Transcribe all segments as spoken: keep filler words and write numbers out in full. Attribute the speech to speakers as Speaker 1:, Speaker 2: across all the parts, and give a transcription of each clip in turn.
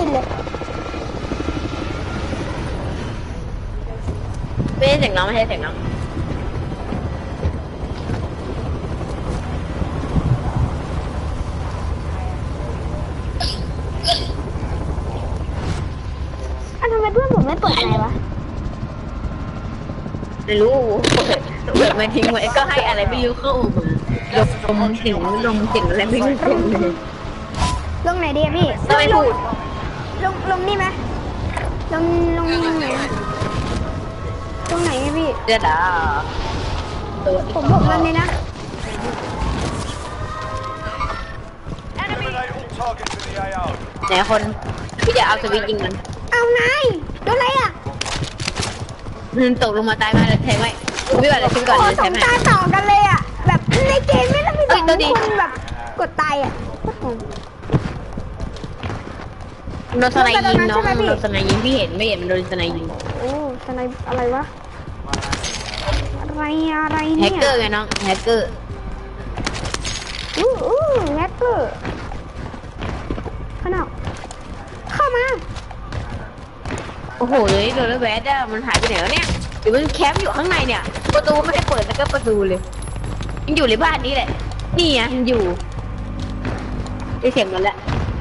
Speaker 1: นเลย
Speaker 2: ไม่ใช่เสียงน้องไม่ใช่เสียงน้อง
Speaker 1: อ่ะทำไมเพื่อนผมไม่เปิดอะไรวะ
Speaker 2: ไม่รู้เปิดมาทิ้งไว้ก็ให้อะไรไม่รู้เข้ามาลมเสียงลมเสียงอะไรไม่รู้เลย
Speaker 1: ลงไหนดีอะพี่
Speaker 2: ทำไมพูด
Speaker 1: ลงลงนี่ไหมลงลงไหนตรงไหนอะพี่
Speaker 2: เดี๋ยวด่า
Speaker 1: ผมบอกมันเลยนะ
Speaker 3: Eliminate all targets in the A O.
Speaker 2: ไหนคนพี่จะเอาสวิตยิงมัน
Speaker 1: เอานายโดนอะไรอ่ะ
Speaker 2: มันตกลงมาตายมาแล้วแทงไว้พี่ก่อนเลยพี่ก่อน
Speaker 1: โอ้
Speaker 2: เลย
Speaker 1: ส
Speaker 2: แท
Speaker 1: อง ง
Speaker 2: ไหม
Speaker 1: ตาต่อกันเลยอ่ะแบบในเกมไม่ต้องมีสอง
Speaker 2: เอ้ยตัวดี
Speaker 1: คนแบบกดตายอ่ะโคตรโหด
Speaker 2: โดนสไนยิงน้องโดนสไนยิงพี่เห็นไม่เห็นมันโดนสไนยิง
Speaker 1: โอ้สไนอะไรวะอะไรอะไร
Speaker 2: แฮ
Speaker 1: เนี่ย
Speaker 2: กเกอร์ไงน้องแฮกเกอร์
Speaker 1: อู้อู้แฮกเกอร์ข้างนอกเข้ามา
Speaker 2: โอ้โหเลยโดนแล้วแวดอะมันหายไปไหนแล้วเนี่ยหรือมันแคมป์อยู่ข้างในเนี่ยประตูไม่ได้เปิดแล้วก็ประตูเลยยังอยู่ในบ้านนี้แหละนี่ไงยังอยู่ได้เสียงมันแล้ว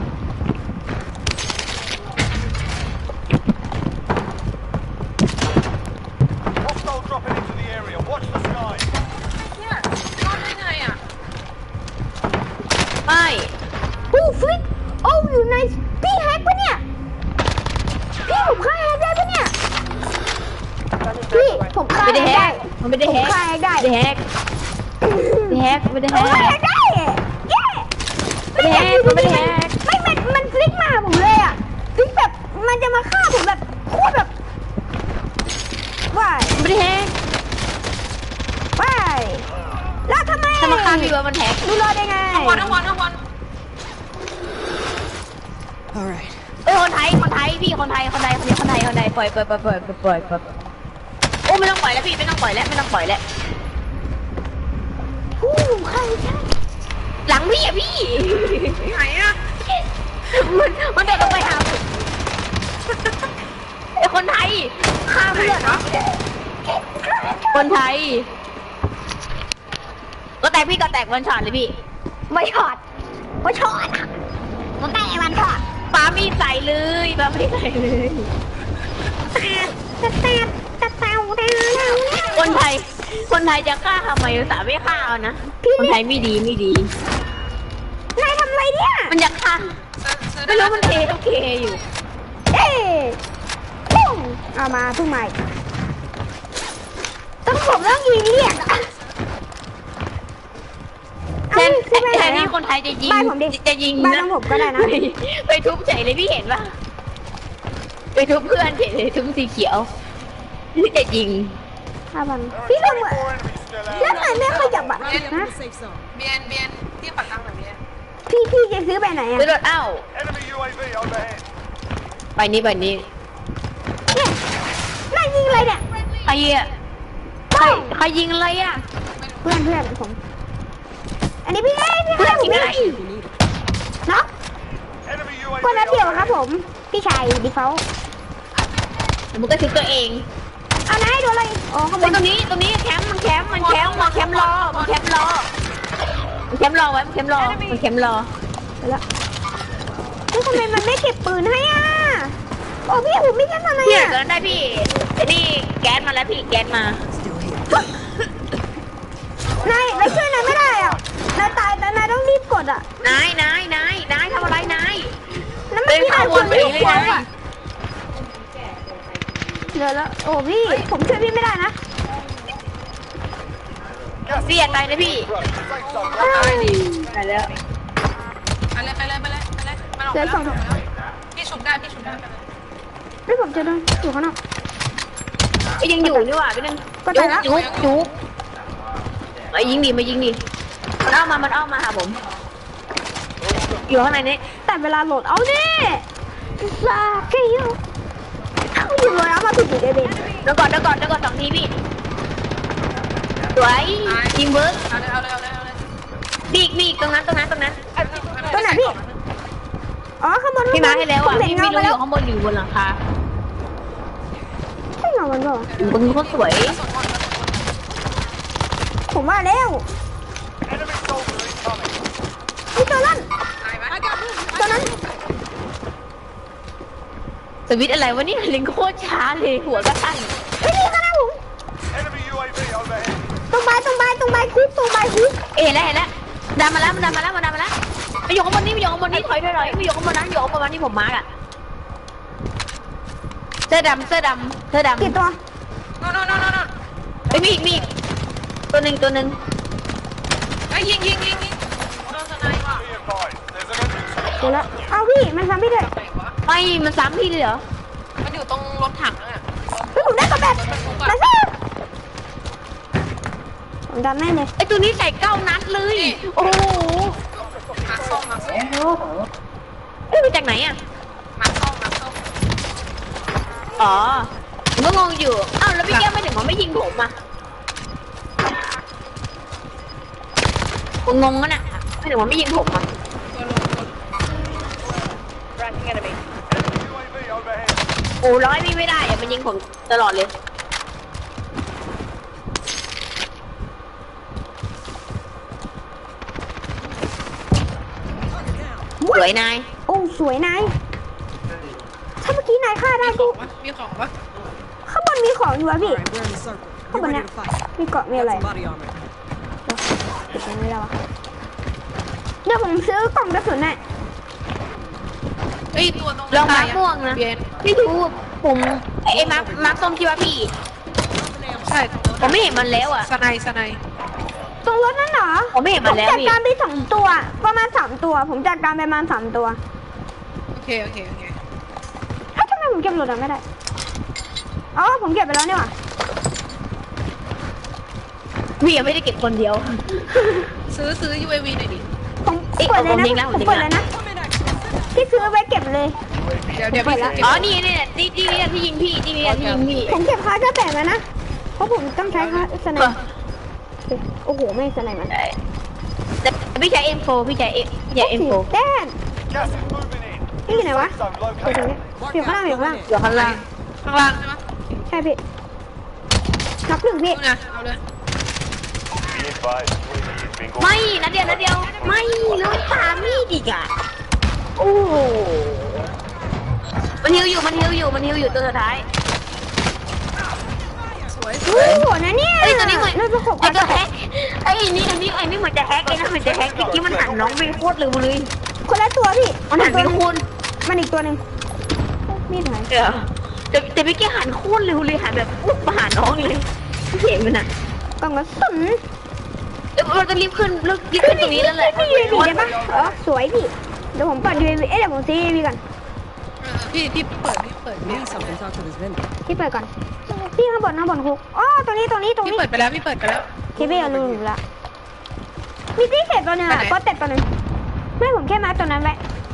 Speaker 3: Hostile dropping into the area. Watch the sky.
Speaker 2: เนี่ยรอดได้ไงอ่ะไม่
Speaker 1: อู้ฟลิกโอ้อยู่ในพี่แฮกปะเนี่ยพี่ผมฆ่าแฮกได้ปะเนี่ยพี่ผมฆ่า
Speaker 2: ไม่ได้แฮ
Speaker 1: ได้
Speaker 2: กมันไม่ได้
Speaker 1: ผม
Speaker 2: แฮก
Speaker 1: ฆ่าแฮกได้
Speaker 2: ไม่ได้แฮกไม่ได้แฮกไม่ได้
Speaker 1: ผม
Speaker 2: แฮ
Speaker 1: ฆ่าแฮ
Speaker 2: ก
Speaker 1: กได้เย้
Speaker 2: ไม่ได้แฮกมันไม่ได้แฮก
Speaker 1: ไม่มันมันฟลิกมาผมเลยอ่ะฟลิกแบบมันจะมาฆ่าผมแบบโคตรแบบว้าย
Speaker 2: ไม่ได้แฮก
Speaker 1: ว้ายแล้วทำไม
Speaker 2: ถ้ามาฆ่าพี่ว่ามันแฮก
Speaker 1: ดูรอดได้ไง
Speaker 2: ทั้งวันทั้งวันทั้งวัน
Speaker 4: Alright.
Speaker 2: เอ้ยคนไทยคนไทยพี่คนไทยคนไทยคนไทยคนไทยคนไทยปล่อยปล่อยปล่อยปล่อยปล่อยปล่อยโอ้ไม่ต้องปล่อยแล้วพี่ไม่ต้องปล่อยแล้วไม่ต้องปล่อยแล้ว
Speaker 1: ผู้ใครใช่
Speaker 2: หลังพี่อะพี่ไหนอะมันมันเดินลงไปหาไอ้คนไทยฆ่าเพื่อนเนาะคนไทยก็แตกพี่ก็แตกวันช็อตเลยพี่
Speaker 1: ไม่ช็อตไม่ช็อตอะมันได้มันช็อต
Speaker 2: ปามีใส่เลยปามีใส่เลย
Speaker 1: ตะแตะตะแตะตะแตะ
Speaker 2: คนไทย คนไทยจะฆ่าทำไมแต่ไม่ฆ่าเอานะคนไทยไม่ดีไม่ดี
Speaker 1: นายทำอะไรเนี่ย
Speaker 2: มันอยากฆ่าไม่รู้มันเทโอเคอยู่
Speaker 1: เอ๊ะปุ้งเอามาเพิ่งใหม่ต้องผมต้องยิงเรียกอะ
Speaker 2: แทนแทนที่คนไทยจะยิง
Speaker 1: บ้านผมดิ
Speaker 2: จะยิง
Speaker 1: บ้าน
Speaker 2: นะ
Speaker 1: ของผมก็ได้นะ
Speaker 2: ไปไปทุบเฉยเลยพี่เห็นปะไปทุบเพื่อนเฉยเลยทุบสีเขียวที่จะยิง
Speaker 1: ห้าพันพี่ทำไม
Speaker 3: Four enemies still
Speaker 1: แล้ว
Speaker 3: out.
Speaker 1: ทำไมไม่ขยับอะนะ
Speaker 4: Safe zone.
Speaker 5: เบียนเบียนที่ปากกลางแบบเบียน
Speaker 1: พี่พี่จะซื้อไปไหนอะ
Speaker 2: ไปรถเอ้า
Speaker 3: Enemy U A V overhead.
Speaker 2: ไปนี้ไปนี้
Speaker 1: เนี่ยนายยิงอะไรเนี่ย
Speaker 2: ใครอ่ะใครใครยิงอะไรอ่ะ
Speaker 1: เพื่อนเพื่อนผม อันนี้พี่เอ้ยพี่
Speaker 2: เพื่
Speaker 1: เพื่
Speaker 2: อ
Speaker 1: อน นผม
Speaker 2: ยิงอะไร
Speaker 1: เนาะ
Speaker 3: Enemy U A V
Speaker 1: คนนัดเดียวครับ
Speaker 3: overhead.
Speaker 1: ผม พี่ชายดิเขา
Speaker 2: มันก็ทุบตัวเอง
Speaker 1: เอานายโดนอะไรอ๋อขโม
Speaker 2: ไอ้
Speaker 1: ย
Speaker 2: ตรงนี้ตรงนี้แคมป์มันแคมป์มันแคมป์มันแคมป์รอมันแคมป์รอมันแคมป์รอไว้มันแคมป์รอมันแคมป์รอ
Speaker 1: ไปแล้วเฮ้ยทำไมมันไม่เก็บปืนให้อ่ะโอ้พี่ผมไม่ใช่ทำไม
Speaker 2: พี่
Speaker 1: อ่ะ
Speaker 2: เกินได้พี่ไอ้นี่แก๊สมาแล้วพี่แก๊สมา
Speaker 4: Still here.
Speaker 1: นายนายช่วยนายไม่ได้อ่ะนายตายแต่นายต้องรีบกดอ่ะ
Speaker 2: นายนายนายนายทำอะไรนาย
Speaker 1: นั่นไม่พี่นายควรรีบกด
Speaker 2: เดินเข้าวนไปเลย
Speaker 1: อ่ะเดี๋ยวแล้วโอ้พี่ผมช่วยพี่ไม่ได้นะ
Speaker 3: Gas
Speaker 2: เสียใจนะพี่
Speaker 3: Right, safe zone.
Speaker 1: อ้าว
Speaker 2: ตายดิตายแล้ว
Speaker 5: ไปเลยไปเลยไปเลยไปเลยมันออก
Speaker 1: เดี๋
Speaker 5: ไป
Speaker 1: ยว
Speaker 5: แล้
Speaker 1: ส่
Speaker 5: ว
Speaker 1: ง
Speaker 5: พี่ชุบได้พี่ชุบได้ไปเลย
Speaker 1: ไม่ผมจะโดนอยู่ข้างนอก
Speaker 2: ไอ้ยังอยู่นี่หว่าพี่นึง
Speaker 1: ก็ตายแล้ว
Speaker 2: จุ๊บจุ๊บไอ้ยิงดิมายิงดิมันเอามามันเอามาหาผมอยู่ข้างในนี้
Speaker 1: แต่เวลาโหลดเอาดิลาเกยเอาอยู่เลยเอามาถูกอยู่เดบิต
Speaker 2: เดี๋ยวก่อนเดี๋ยวก่อนเดี๋ยวก่อนสองทีพี่สวยยิงเบิร์ก
Speaker 5: เอาเลยเอาเลยเอาเลยเอาเลย
Speaker 2: บีกบีกตรงนั้นตรงนั้นตรงนั้น
Speaker 1: ตัวไหนพี่อ๋อข้างบน
Speaker 2: พี่มาให้แล้วอ่ะ
Speaker 1: ผมเห็น
Speaker 2: พี่
Speaker 1: เงา
Speaker 2: ไม่
Speaker 1: มา
Speaker 2: รู้อ
Speaker 1: แล้ว
Speaker 2: ยู่ข้างบนหรือยู่บนหลังคา
Speaker 1: ใช่เงามันเปล่า
Speaker 2: บนโคตรสวย
Speaker 1: ผมว่าแล้ว
Speaker 3: Enemy soldier incoming.
Speaker 1: นี่ตัวนั้น
Speaker 5: ตายไหม
Speaker 1: ตัวนั้น
Speaker 2: สวิตช์อะไรวะเนี่ยลิงโคตรช้าเลยหัวก็ตั้ง
Speaker 1: เฮ้ยนี่ข้างหน้าผม
Speaker 3: Enemy U A V overhead.
Speaker 1: ตรงใบตรงใบตรงใบคุกตรงใบคุก
Speaker 2: เอ๋แล้วเห็นแล้วดันมาแล้วมันดันมาแล้วมันดันมาแล้วไปอยู่ข้างบนนี่ไปอยู่ข้างบนนี่ถอยถอยถอยไปอยู่ข้างบนนั้นอยู่ข้างบนนั้นที่ผมมาร์กอะเสื้อดำเสื้อดำเสื้อดำ
Speaker 1: กี่ตัว
Speaker 5: โน่นโน่นโน่นโน่น
Speaker 2: เฮ้ยมีอีกมีอีกตัวหนึ่งตัวหนึ่ง
Speaker 5: ไอ้ยยิงยิงยิงยิงโดนสไนป์ว่ะ
Speaker 3: Be advised, there's an enemy
Speaker 1: เดี๋ยวแล้วเอาพี่มันซ้ำพี่เลย
Speaker 5: ไหนวะ
Speaker 2: ไม่มันซ้ำพี่เลยเหรอ
Speaker 5: มันอยู่ตรงรถถังนั่นน่ะ
Speaker 1: เฮ้ยผมได้กระแบบมาซ่าผมดันแม่เลย
Speaker 2: ไอตัวนี้ใส่เก้านัดเลย โอ้โห
Speaker 5: มาส้มมาส้ม
Speaker 2: เอ้ยมาจากไหนอะ
Speaker 5: มาส้มมาส้ม
Speaker 2: อ๋อผมก็งงอยู่อ้าวแล้วพี่แก้วไม่ถึงว่าไม่ยิงผมอะผมงงกันอะไม่ถึงว่าไม่ยิงผมอะ
Speaker 5: ตัวลงตัว
Speaker 3: Enemy U A V overhead.
Speaker 2: โอ้ร้อยพี่ไม่ได้อะมันยิงผมตลอดเลยสวยนาย
Speaker 1: โอ้สวยนายถ้าเมื่อกี้นายฆ่าได้
Speaker 5: มีข
Speaker 1: กู
Speaker 5: องปะมีของปะ
Speaker 1: ข้างบนมีของอยู่อะพี่
Speaker 4: Alright, we're in the circle.
Speaker 1: Come
Speaker 4: Get
Speaker 1: on
Speaker 4: ready
Speaker 1: now.
Speaker 4: to fight.
Speaker 1: มีเกาะมีอะไร
Speaker 4: Got some body armor.
Speaker 1: เก็บตรงนี้แล้ววะเดี๋ยวผมซื้อกล่องกระสุนน่ะ
Speaker 5: เฮ้ยตัวตรง
Speaker 2: ลองมาร์คม่วงนะ
Speaker 5: เบียน
Speaker 2: ไม่รู้ผมไอ้มาร์คมาร์คส้มที่ว่าพี่
Speaker 5: ใช่
Speaker 2: ผมไม่เห็นมันแล้วอ่ะ
Speaker 5: สไนป์สไนป์
Speaker 1: ตรงรถนั่นเหรอ
Speaker 2: ผมไม่เห็นมันแล้ว
Speaker 1: จัด
Speaker 2: พี่
Speaker 1: การไปสองตัว ประมาณสามตัว ผมจัดการไปประมาณสามตัว
Speaker 5: โอเคโอเคโอเค
Speaker 1: เฮ้ยทำไมผมเก็บรถอะไม่ได้ อ๋อผมเก็บไปแล้วนี่หว่า
Speaker 2: พี่ยังไม่ได้เก็บคนเดียว
Speaker 5: ซื้อซื้อ ยู เอ วี หน่อยดิ
Speaker 1: ผม
Speaker 2: เอ๊ะ
Speaker 1: เปิดเลย
Speaker 2: ผมยิงแล้
Speaker 1: นะ
Speaker 2: ว
Speaker 1: ผม
Speaker 2: ผมยิง
Speaker 1: เปิด
Speaker 2: แล้
Speaker 1: เล
Speaker 2: ว
Speaker 1: ยนะที่ซื้อไว้เก็บเลย
Speaker 5: เดี๋ยวเดี๋ยว
Speaker 1: เปิ
Speaker 5: พี่
Speaker 1: ดละ
Speaker 5: เก็บ
Speaker 2: อ๋อนี่นี่นี่ที่นี่ที่ยิงพี่ที่นี่ที่ยิงพี่
Speaker 1: ผมเก็บคาร์ดแปดแล้วนะ เพราะผมต้องใช้คาร์ดสไน
Speaker 2: เออ
Speaker 1: ป์โอ้โห ไม่สไนป์มัน
Speaker 2: แต่พี่ใช้ เอ็ม โฟร์ พี่ใช้ M พี่ใช้ เอ็ม โฟร์
Speaker 1: แต้ม
Speaker 3: Gas is moving in.
Speaker 1: นี่อยู่ไหนวะ
Speaker 3: Zone
Speaker 1: อยู่ตรง
Speaker 3: located.
Speaker 1: นี้อยู่ข้างล่างอยู่ข้างล่าง
Speaker 2: อยู่ข้างล่าง
Speaker 5: ข้างล่างใช่ไหม
Speaker 1: ใช่พี่นับหนึ่งพี่
Speaker 5: นู่นนะเอาเลย
Speaker 3: Be advised, U A V is being
Speaker 2: ไม่นัดเดียวนัดเดียวไม่แล้วตามมีดอีกอ่ะโอ้โหมันฮิวอยู่มันฮิวอยู่มันฮิวอยู่ตัวสุดท้าย
Speaker 5: สวย
Speaker 1: โอ้โหนะเนี่ย
Speaker 2: เอ้ยตัวนี้เหมือน
Speaker 1: น่าจะหก
Speaker 2: ไอ้ตัวแฮกไอ้นี่อันนี้ไอ้นี่เหมือนจะแฮกไอ้นั่นเหมือนจะแฮกเมื่อกี้มันหันน้องไปโคตรเร็วเลย
Speaker 1: คนละตัวพี่
Speaker 2: มันหันไป
Speaker 1: ตัวหง
Speaker 2: คุณ
Speaker 1: มันอีกตัวหนึ่งมีดหาย
Speaker 2: เดี๋ยวแต่แต่พี่แกหันโคตรเร็วเลยหันแบบปุ๊บมาหาน้องเลยเห็นมันอ่ะ
Speaker 1: กล่องกระสุน
Speaker 2: เดี๋ยวเราจะรีบขึ้นรีบขึ้นตรงนี้แล้วแหละ
Speaker 1: พี่ยูเอวีได้ปะเออสวยพี่ เดี๋ยวผมเปิดยูเอวีเอ๊ะเดี๋ยวผมซื้อยูเอวีก่อน
Speaker 5: เออพี่พี่เปิดพี่เปิด
Speaker 4: Need something. Talk to this vendor.
Speaker 1: พี่เปิดก่อน พี่ข้างบนข้างบนคุกอ๋อตรงนี้ตรงนี้ตรง
Speaker 5: พี่
Speaker 1: นี้
Speaker 5: เปิดไปแล้วพี่เปิดไปแล้ว
Speaker 1: เคเบิลลืมละมีที่เสร็จตัวหนึงอะ
Speaker 5: ไปไหน
Speaker 1: ก็เต็ดตัวหนึงไม่ผมแค่มาตัวนั้นไว้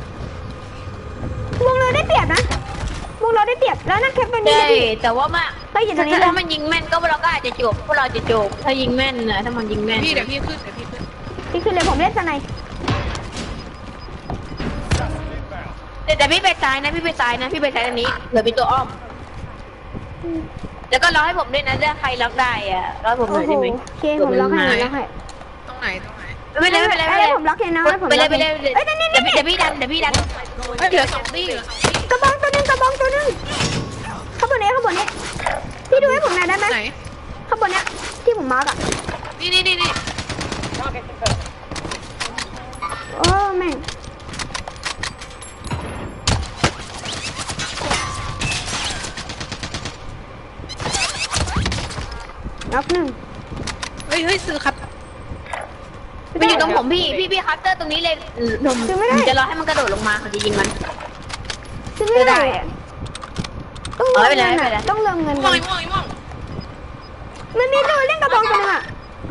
Speaker 1: วงเราได้เปรียบนะวงเราได้เปรียบแล้วนั่นแค่เป็นนี่
Speaker 2: ใช่
Speaker 1: นะพี่
Speaker 2: แต่ว่ามา
Speaker 1: ก็อยู่ตรงนี้
Speaker 2: ถ้า
Speaker 1: เลย
Speaker 2: มันยิงแม่นก็เราก็อาจจะจบพวกเราจะจบถ้ายิงแม่นนะถ้ามันยิงแม่น
Speaker 5: พี่เดี๋ยวพี่ขึ้นเดี๋ยวพี่ขึ้น
Speaker 1: พี่คือเลยผมเล่นสไนป์
Speaker 2: แต่แต่พี่ไปซ้ายนะพี่ไปซ้ายนะพี่ไปซ้ายอันนี้เหลือเป็นตัวอ้อม แล้วก็รอให้ผมด้วยนะถ้าใครล็อกได้อะรอให้ผมห
Speaker 1: โอ้
Speaker 2: น่อย
Speaker 1: โห
Speaker 2: ได้ไหม
Speaker 1: โอเคผมล็อกให้ผมล็อกให้
Speaker 5: ตรงไหนตรงไหน
Speaker 2: ไม่เป็นไรไม่เป็นไรไม่เป็นไร
Speaker 1: ผมล็อกเองนะผม
Speaker 2: ไป
Speaker 1: ล็
Speaker 2: เล
Speaker 1: อย ก
Speaker 2: ไปเลย
Speaker 1: เองเอ้ยนั่นนี่
Speaker 2: เดี๋ยว
Speaker 1: นี่
Speaker 2: พี่เดี๋ยวพี่ดันเดี๋ยวพี่ดัน
Speaker 5: เฮ้ยเหลือสองที่เหลือสองที่
Speaker 1: กระบองตัวหนึงกระบองตัวหนึงข้างบนนี้ข้างบนนี้พี่ดูให้ผมหน่อยได้ไหม
Speaker 5: ไหน
Speaker 1: ข้างบนเนี้ยที่ผมมาร์กอะ
Speaker 5: นี่นี่นี่นี่
Speaker 1: โอ้แม่งน็อกหนึ่ง
Speaker 5: เฮ้ยเฮ้ยซื้อครับ
Speaker 2: มันอยู่ตรงผมพี่พี่พี่คัตเตอร์ตรงนี้เลยผมผมจะรอให้มันกระโดดลงมาเขาจะยิงมัน
Speaker 1: ซื้อไม่ได้อะต้อง
Speaker 2: เอา
Speaker 1: เติม
Speaker 2: ไปเลย
Speaker 1: เงิน
Speaker 2: เอาไปเลย
Speaker 1: อะต้องเติมเงิน
Speaker 5: ม่
Speaker 1: ก่
Speaker 5: ว
Speaker 1: อง น
Speaker 5: ม่วงม่วง
Speaker 1: มันมีตัวเล่นกระบองตัวหนึงอะ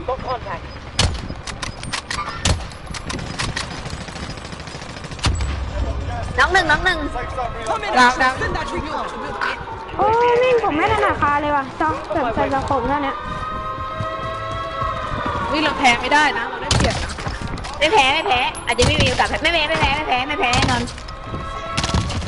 Speaker 2: น้องหนึ่งน้องหนึ่ง
Speaker 3: Safe zone relocated.
Speaker 5: ดาวดาว
Speaker 4: Send that recon.
Speaker 1: โอ้แม่งผมไม่ถนัดคาเลยว่ะจอกแบบใส่กระผมเท่านี้
Speaker 5: วิเราแพ้ไม่ได้นะเราได้เปรียบนะ
Speaker 2: ไม่แพ้ไม่แพ้อาจจะไม่มีโอกาสแพ้ไม่แพ้ไม่แพ้ไม่แพ้ไม่แพ้แน่นอน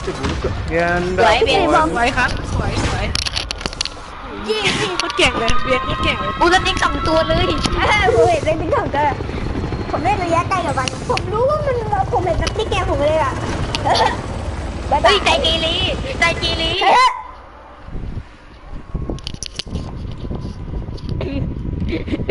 Speaker 2: สวยเบียร์
Speaker 5: สวยครับสวยสวยยี่ยี่เขาเก่งเลยเบียร์เขาเก่งเลย
Speaker 2: กูสติ๊กสองตัวเลย
Speaker 1: เออผมเห็นเป็นติ๊กของเธอผมเล่นระยะไกลกับมันผมรู้ว่ามันผมเห็นสติ๊กแกมผมเลยอ่ะ
Speaker 2: เฮ้ยใจเกเรใจ